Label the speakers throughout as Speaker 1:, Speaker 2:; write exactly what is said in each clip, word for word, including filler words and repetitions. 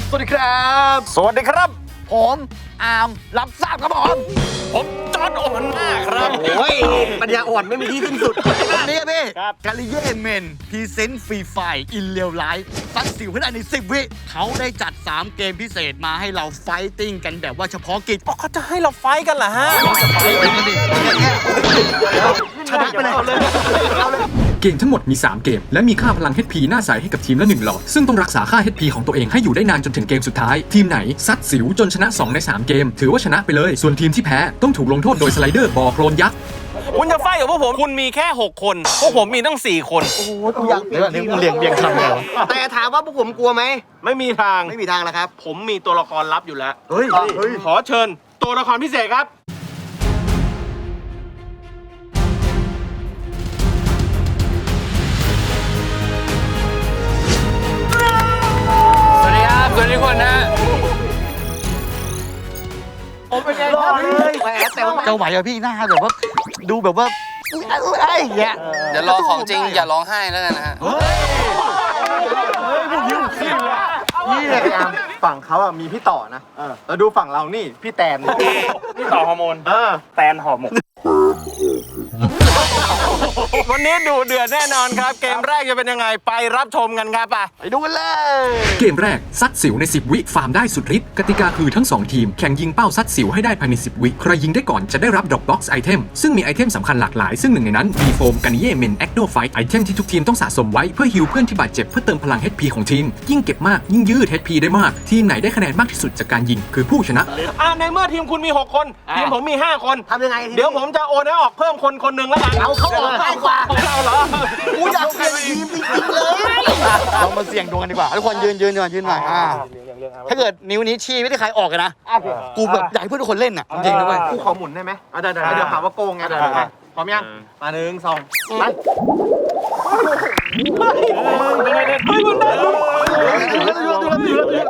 Speaker 1: สวัสดีครับ
Speaker 2: สวัสดีครับ
Speaker 1: ผมอาร์มรับทราบครับผม
Speaker 2: ผมจอร์จโอมันน่าครับ
Speaker 1: โอ้ยปัญญาอ่อนไม่มีที่สิ้นสุดวันนี้พี่
Speaker 2: ครับ
Speaker 1: กาลิเย่เมนพรีเซนต์ฟรีไฟอินเรียลไลฟ์ซัดสิวให้ได้ในสิบวิเขาได้จัดสามเกมพิเศษมาให้เราไฟติ้งกันแบบว่าเฉพาะกิจ
Speaker 2: อ๋อเขาจะให้เราไฟกันเหรอฮะ
Speaker 1: ชนะไปเลย
Speaker 3: เกมทั้งหมดมี สาม เกม และมีค่าพลัง เอช พี หน้าใสให้กับทีมละ หนึ่ง หลอด ซึ่งต้องรักษาค่า เอช พี ของตัวเองให้อยู่ได้นานจนถึงเกมสุดท้าย ทีมไหนซัดสิวจนชนะ สอง ใน สาม เกม ถือว่าชนะไปเลย ส่วนทีมที่แพ้ต้องถูกลงโทษโดยสไลเดอร์บ่อโคลนยักษ์
Speaker 2: คุณจะไฟกับพวกผมคุณมีแค่หกคนพวกผมมีตั้งสี่คนโอ้โห
Speaker 1: ตัวอย่างเดี๋ยวนี้มึงเรียงเรียงคำเลยแต่ถามว่าพวกผมกลัวไหม
Speaker 2: ไม่มีทาง
Speaker 1: ไม่มีทางแล้วครับ
Speaker 2: ผมมีตัวละครลับอยู่แล้ว
Speaker 1: เฮ้ย
Speaker 2: ขอเชิญตัวละครพิเศษครับสวัสดีครับสวัสดีทุกคนนะผมเป็นไงครับ
Speaker 1: แหมแต่ว่าจะไหวอะพี่หน้าแบบว่าดูแบบว่าไอ้เงี้ย
Speaker 4: เดี๋ยวรอของจริงอย่าร้องไห้แล้วกันนะฮะ
Speaker 1: นี่เลยครับฝั่งเขาอ่ะมีพี่ต่อนะแล้วดูฝั่งเรานี่พี่แตน
Speaker 2: พี่ต่อฮอร์โมนเออแตนหอมหมกวันนี้ดูเดือดแน่นอนครับเกมแรกจะเป็นยังไงไปรับชมกันครับไป
Speaker 1: ไปดูกันเลย
Speaker 3: เกมแรกซัดสิวในสิบวิฟาร์มได้สุดฤทธิ์กติกาคือทั้งสองทีมแข่งยิงเป้าซัดสิวให้ได้ภายในสิบวิใครยิงได้ก่อนจะได้รับดรอปบ็อกซ์ไอเทมซึ่งมีไอเทมสำคัญหลากหลายซึ่งหนึ่งในนั้นมีโฟมกันเย่เมนแอคโนไฟท์ไอเทมที่ทุกทีมต้องสะสมไว้เพื่อฮีลเพื่อนที่บาดเจ็บเพื่อเติมพลัง เอช พี ของทีมยิ่งเก็บมากยิ่งยืด เอช พี ได้มากทีมไหนได้คะแนนมากที่สุดจากการยิงคือผู้ชนะ
Speaker 2: อ่าในเมื่อทีมคุณมีหกคนทีมผมมีห้าคน
Speaker 1: ทำยังไง
Speaker 2: เดี๋ยวผมจะโอนให้ออกเพิ่มคนคนหนึ่งแล้วกัน
Speaker 1: เอาเขาออกง่ายกว่า
Speaker 2: เราเหรอ
Speaker 1: กูอยากเปลี่ยนทีมจริงๆเลยเรามาเสี่ยงดวงกันดีกว่าทุกคนยืนยืนยืนยืนหน่อยอ่าถ้าเกิดนิ้วนี้ชี้ไม่ได้ใครออกกันนะกูแบบอยากให้เพื่อนทุกคนเล่นอ่ะจริงๆด้วย
Speaker 2: กูขอหมุนได้ไหมได้ได้เดี๋ยวหาว่าโกงไงพร้อมยังมาหนึ่งสองไปไม่ได้ไม่ได้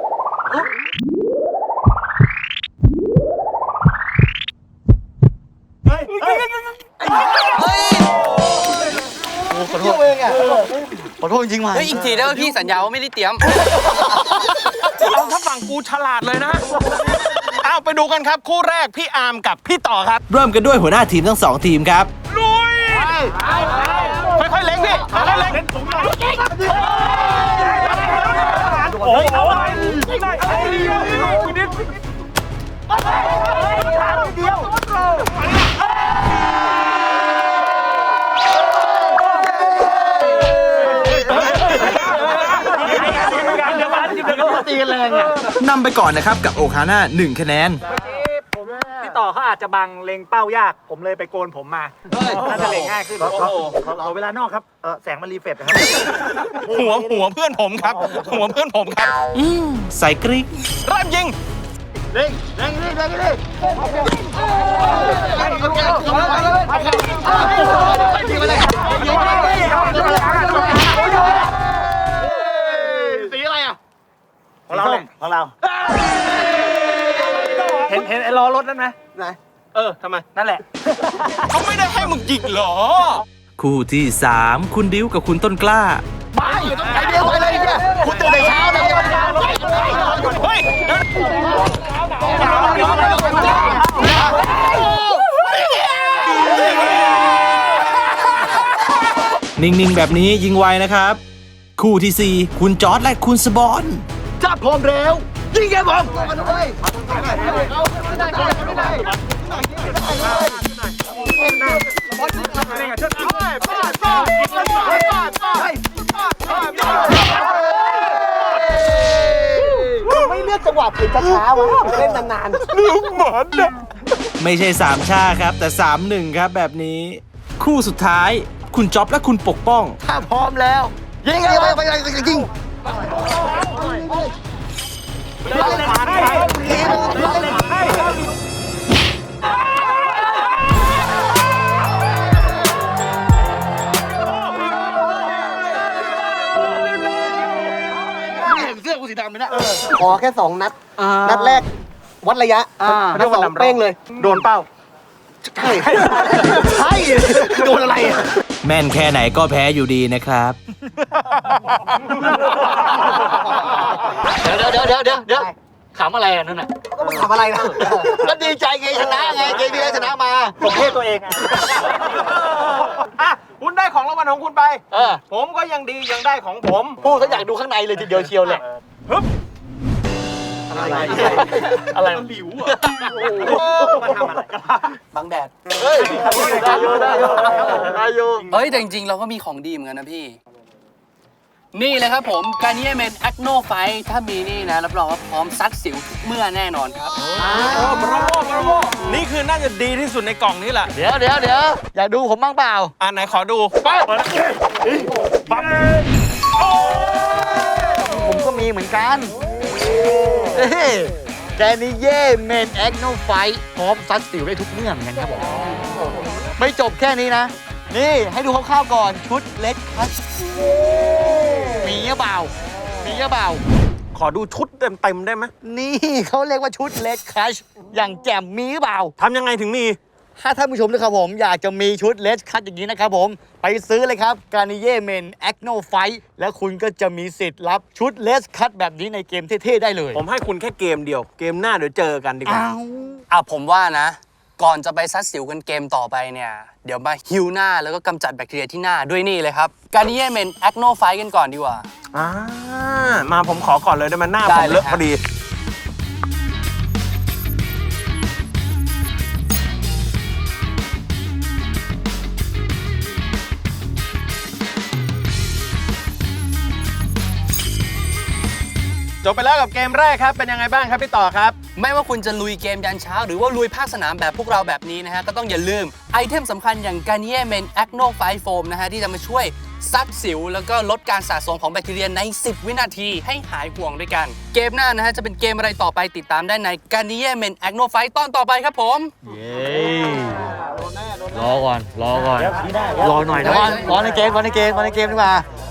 Speaker 1: ขอโทษเองอ่ะขอโทษจริงมา
Speaker 4: เฮ้ยอีกทีได้ว่าพี่สัญญาว่าไม่ได้เตรียม
Speaker 2: เอาถ้าฝั่งกูฉลาดเลยนะเอาไปดูกันครับคู่แรกพี่อาร์มกับพี่ต่อครับ
Speaker 5: เริ่มกันด้วยหัวหน้าทีมทั้งสองทีมครับ
Speaker 2: ลุยค่อยๆเล็งพี่ค่อยๆเล็งโอ้โห
Speaker 1: ตีกันแรงอ่ะ
Speaker 5: นำไปก่อนนะครับกับโอคาน่าหนึ่งคะแนน
Speaker 6: พี่ต่อเขาอาจจะบังเล็งเป้ายากผมเลยไปโกนผมมาน่าจะเล็งง่ายขึ้นขอเวลานอกครับเออแสงมันรีเฟรชนะครับ
Speaker 2: หัวหัวเพื่อนผมครับหัวเพื่อนผมครับ
Speaker 5: อืมใส่กริ๊ก
Speaker 2: เริ่มยิง
Speaker 1: เล็งเล็งเล็งเล็งเล็งสีอะไรอ่ะ
Speaker 6: ของเราของเราเห็นเห็นไอ้ล้อรถนั่นไหม
Speaker 1: ไหน
Speaker 2: เออทำไม
Speaker 6: นั่นแหละ
Speaker 2: เขาไม่ได้ให้มึงยิงหรอ
Speaker 5: คู่ที่สามคุณดิวกับคุณต้นกล้า
Speaker 1: ไปไอเดียวไปเลยเนี่ยคุณตื่นแต่เช้าเลย
Speaker 2: เฮ้ย
Speaker 5: นิ่งๆแบบนี้ยิงไวนะครับคู่ที่สี่คุณจอร์จและคุณสบอน
Speaker 1: จับพร้อมแล้วยิงแกผมไม่เลือกจังหวะผิดช้าวะเล่นนานๆ
Speaker 2: ลืมเหมือนนะ
Speaker 5: ไม่ใช่สามชาครับแต่สามหนึ่งครับแบบนี้คู่สุดท้ายคุณจ๊อบและคุณปกป้อง
Speaker 1: ถ้าพร้อมแล้วยิงไปไปไปยิงเสื้อกูสีดำเลยนะขอแค่สองนัดนัดแรกวัดระยะนัดสองเป้งเลย
Speaker 2: โดนเป้า
Speaker 1: ใช่ใช่โดนอะไร
Speaker 5: แม่นแค่ไหนก็แพ้อยู่ดีนะครับ
Speaker 1: เดี๋ยวเดี๋ยวเดี๋ยวเดี๋ยวเดี๋ยวเดี๋ยวขำอะไรอ่ะนั่นน่ะ
Speaker 6: ก็มึงทำอะไรนะ
Speaker 1: ก็ดีใจไงชนะไงเกมที่แล้วชนะมา
Speaker 6: ผมเทตัวเองไง
Speaker 2: อ่ะคุณได้ของรางวัลของคุณไป
Speaker 1: เออ
Speaker 2: ผมก็ยังดียังได้ของผม
Speaker 1: พูดเขาอยากดูข้างในเลยทีเดียวเชียวเลย
Speaker 6: อะไร
Speaker 1: อะไร
Speaker 2: หลิวอ่ะ
Speaker 6: มาทำอะไร
Speaker 4: บังแดด
Speaker 1: เฮ้ยได้อยู่ได้อยู่ได้อยู่
Speaker 4: เฮ้ย แต่จริงๆ เราก็มีของดีเหมือนกันนะพี่ นี่เลยครับผมการนิเอเมนแอคโนไฟถ้ามีนี่นะ รับรองว่าพร้อมซัดสิวทุกเมื่อแน่นอนครับ
Speaker 2: โอ้บราโวบราโวนี่คือน่าจะดีที่สุดในกล่องนี้แหละ
Speaker 1: เดี๋ยวเดี๋ยวเดี๋ยวอยากดูผมบ้างเปล่า
Speaker 2: อ่ะไหนขอดูปั๊บ
Speaker 1: ผมก็มีเหมือนกันแกนี่เย่เมนแอคโนไฟพร้อมซัดสิวได้ทุกเมื่อเหมือนกันครับผมไม่จบแค่นี้นะ นี่ให้ดูคร่าวๆก่อนชุดเล็กคัสมีหรือเปล่ามีหรือเปล่า
Speaker 2: ขอดูชุดเต็มๆได้ไหม
Speaker 1: นี่เขาเรียกว่าชุดเล็กคัชอย่างแจ่มมีหรือเปล่า
Speaker 2: ทำยังไงถึงมี
Speaker 1: ถ้าท่านผู้ชมนะครับผมอยากจะมีชุดเลสคัตอย่างนี้นะครับผมไปซื้อเลยครับการนิเย่เมนแอคโนไฟแล้วคุณก็จะมีสิทธิ์รับชุดเลสคัตแบบนี้ในเกมเท่ๆได้เลย
Speaker 2: ผมให้คุณแค่เกมเดียว เกมหน้าเดี๋ยวเจอกันดีกว่า
Speaker 1: อ้าว
Speaker 4: อ่ะผมว่านะ ก่อนจะไปซัดสิวกันเกมต่อไปเนี่ย เดี๋ยวมาฮิวหน้าแล้วก็กำจัดแบคทีเรียที่หน้าด้วยนี่เลยครับการนิเอเมนแอคโนไฟกันก่อนดีกว่า
Speaker 2: อ่า มาผมขอก่อนเลยได้ไหมหน้า
Speaker 4: ได้
Speaker 2: ผม
Speaker 4: เลย
Speaker 2: เลอะ
Speaker 4: ครับ
Speaker 2: พอดี จบไปแล้วกับเกมแรกครับ เป็นยังไงบ้างครับพี่ต่อครับ
Speaker 4: ไม่ว่าคุณจะลุยเกมยันเช้า หรือว่าลุยภาคสนามแบบพวกเราแบบนี้นะฮะ ก็ต้องอย่าลืมไอเทมสำคัญอย่าง Garnier Men Acno Fight Foam นะฮะ ที่จะมาช่วยซัดสิว แล้วก็ลดการสะสมของแบคทีเรียใน สิบ วินาทีให้หายห่วงด้วยกัน เกมหน้านะฮะ จะเป็นเกมอะไรต่อไปติดตามได้ใน Garnier Men Acno Fight ตอนต่อไปครับผม
Speaker 1: เย้รอก่อนรอก่อนรอหน่อยนะรอในเกมรอในเกมรอในเกมดีกว่า